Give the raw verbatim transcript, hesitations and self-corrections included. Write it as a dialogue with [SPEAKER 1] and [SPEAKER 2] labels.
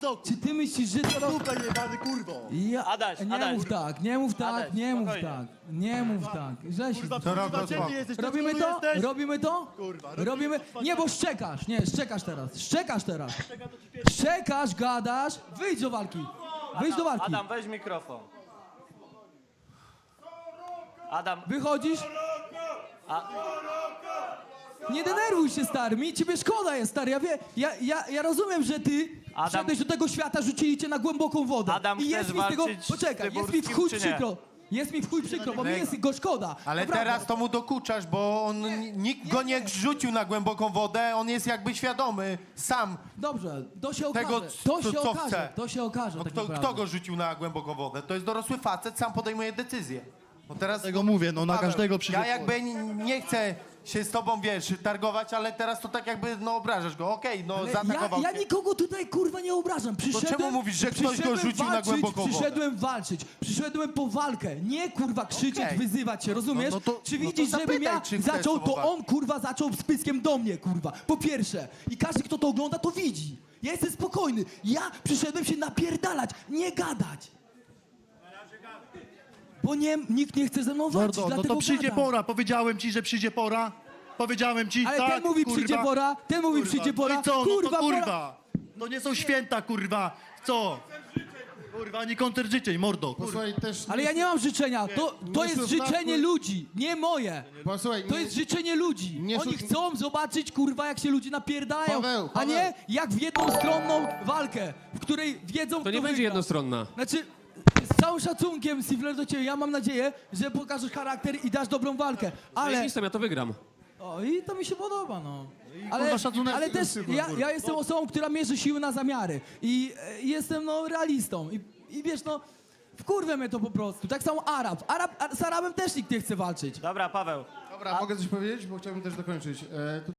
[SPEAKER 1] Czy ty myślisz, że to...
[SPEAKER 2] Super jebany kurwo!
[SPEAKER 1] Ja...
[SPEAKER 3] Adaś,
[SPEAKER 1] nie
[SPEAKER 3] Adaś.
[SPEAKER 1] mów tak, nie mów tak,
[SPEAKER 3] Adaś,
[SPEAKER 1] nie mów
[SPEAKER 3] spokojnie.
[SPEAKER 1] tak, nie mów tak. Żeś...
[SPEAKER 2] Kurwa,
[SPEAKER 4] To rob
[SPEAKER 2] kurwa,
[SPEAKER 4] rozpoko.
[SPEAKER 2] ciebie jesteś, ty
[SPEAKER 1] Robimy
[SPEAKER 2] cudny
[SPEAKER 1] to?
[SPEAKER 2] jesteś?
[SPEAKER 1] Robimy to?
[SPEAKER 2] Kurwa,
[SPEAKER 1] Robimy... Nie, bo szczekasz, nie, szczekasz teraz, szczekasz teraz. Szczekasz, gadasz, wyjdź do walki. Wyjdź do walki.
[SPEAKER 3] Adam, weź mikrofon. Adam,
[SPEAKER 1] Wychodzisz? Nie denerwuj się, stary, mi ciebie szkoda jest, stary, ja wie, ja, ja, ja rozumiem, że ty
[SPEAKER 3] Adam-
[SPEAKER 1] wszedłeś do tego świata, rzucili cię na głęboką wodę.
[SPEAKER 3] Adam,
[SPEAKER 1] I jest
[SPEAKER 3] chcesz
[SPEAKER 1] mi z tego,
[SPEAKER 3] walczyć z
[SPEAKER 1] poczekaj, jest mi w
[SPEAKER 3] Tyburskim,
[SPEAKER 1] chuj
[SPEAKER 3] czy nie?
[SPEAKER 1] przykro, jest mi w chuj przykro, bo mi jest go szkoda.
[SPEAKER 4] Ale
[SPEAKER 1] Naprawdę.
[SPEAKER 4] teraz to mu dokuczasz, bo on, nikt go nie rzucił na głęboką wodę, on jest jakby świadomy sam.
[SPEAKER 1] Dobrze, to się okaże,
[SPEAKER 4] Tego,
[SPEAKER 1] to
[SPEAKER 4] co-
[SPEAKER 1] się
[SPEAKER 4] co
[SPEAKER 1] okaże,
[SPEAKER 4] chce.
[SPEAKER 1] to się okaże
[SPEAKER 4] No
[SPEAKER 1] tak
[SPEAKER 4] kto,
[SPEAKER 1] naprawdę.
[SPEAKER 4] kto go rzucił na głęboką wodę? To jest dorosły facet, sam podejmuje decyzję. No teraz,
[SPEAKER 2] Tego mówię, no na
[SPEAKER 4] Paweł,
[SPEAKER 2] każdego przyjdzie.
[SPEAKER 4] Ja jakby n- nie chcę się z tobą, wiesz, targować, ale teraz to tak jakby, no obrażasz go. Okej, no
[SPEAKER 1] Ale ja,
[SPEAKER 4] zaatakował
[SPEAKER 1] ja
[SPEAKER 4] cię.
[SPEAKER 1] nikogo tutaj kurwa nie obrażam. Przyszedłem,
[SPEAKER 4] czemu mówisz, że ktoś go
[SPEAKER 1] przyszedłem
[SPEAKER 4] rzucił na
[SPEAKER 1] walczyć,
[SPEAKER 4] głęboką wodę?
[SPEAKER 1] Przyszedłem walczyć, przyszedłem po walkę, nie kurwa krzyczeć,
[SPEAKER 4] Okej.
[SPEAKER 1] wyzywać się, rozumiesz?
[SPEAKER 4] No- no to-
[SPEAKER 1] czy
[SPEAKER 4] no to
[SPEAKER 1] widzisz, żebym
[SPEAKER 4] zapytaj,
[SPEAKER 1] ja
[SPEAKER 4] czy chcesz
[SPEAKER 1] zaczął,
[SPEAKER 4] z
[SPEAKER 1] to
[SPEAKER 4] tobą
[SPEAKER 1] on kurwa zaczął z pyskiem do mnie kurwa, po pierwsze. I każdy, kto to ogląda, to widzi. Ja jestem spokojny, ja przyszedłem się napierdalać, nie gadać. Bo nie, nikt nie chce ze mną walczyć,
[SPEAKER 2] Mordo, no
[SPEAKER 1] dlatego
[SPEAKER 2] to przyjdzie
[SPEAKER 1] gadam.
[SPEAKER 2] pora. Powiedziałem ci, że przyjdzie pora. Powiedziałem ci,
[SPEAKER 1] Ale
[SPEAKER 2] tak,
[SPEAKER 1] ten mówi
[SPEAKER 2] kurwa.
[SPEAKER 1] przyjdzie pora, ten mówi
[SPEAKER 2] Kurwa.
[SPEAKER 1] przyjdzie pora,
[SPEAKER 2] No i co?
[SPEAKER 1] kurwa,
[SPEAKER 2] no to
[SPEAKER 1] pora.
[SPEAKER 2] kurwa. To nie są święta, kurwa. Co? Kurwa, ani koncert życzeń, mordo. Kurwa.
[SPEAKER 5] Posłuchaj, też...
[SPEAKER 1] Ale ja nie mam życzenia, to, to jest
[SPEAKER 5] słów
[SPEAKER 1] życzenie
[SPEAKER 5] na-
[SPEAKER 1] ludzi, nie moje.
[SPEAKER 5] Posłuchaj,
[SPEAKER 1] To
[SPEAKER 5] nie-
[SPEAKER 1] jest życzenie ludzi.
[SPEAKER 5] nie
[SPEAKER 1] Oni
[SPEAKER 5] szuk-
[SPEAKER 1] chcą zobaczyć, kurwa, jak się ludzie napierdają,
[SPEAKER 5] Paweł,
[SPEAKER 1] a
[SPEAKER 5] Paweł.
[SPEAKER 1] nie jak w jedną walkę, w której wiedzą,
[SPEAKER 6] To
[SPEAKER 1] kto
[SPEAKER 6] nie będzie
[SPEAKER 1] wygra.
[SPEAKER 6] jednostronna.
[SPEAKER 1] Znaczy, z całym szacunkiem, Sifler, do ciebie, ja mam nadzieję, że pokażesz charakter i dasz dobrą walkę, ale...
[SPEAKER 6] Ale... ja to wygram.
[SPEAKER 1] O, i to mi się podoba, no.
[SPEAKER 2] kurwa,
[SPEAKER 1] Ale,
[SPEAKER 2] szacunek
[SPEAKER 1] ale też
[SPEAKER 2] kurwa,
[SPEAKER 1] ja,
[SPEAKER 2] kurwa.
[SPEAKER 1] ja jestem osobą, która mierzy siły na zamiary i e, jestem, no, realistą i, i wiesz, no, wkurwia mnie to po prostu. Tak samo Arab. Arab a, z Arabem też nikt nie chce walczyć.
[SPEAKER 3] dobra, Paweł.
[SPEAKER 5] Dobra, mogę coś powiedzieć, bo chciałbym też dokończyć. E,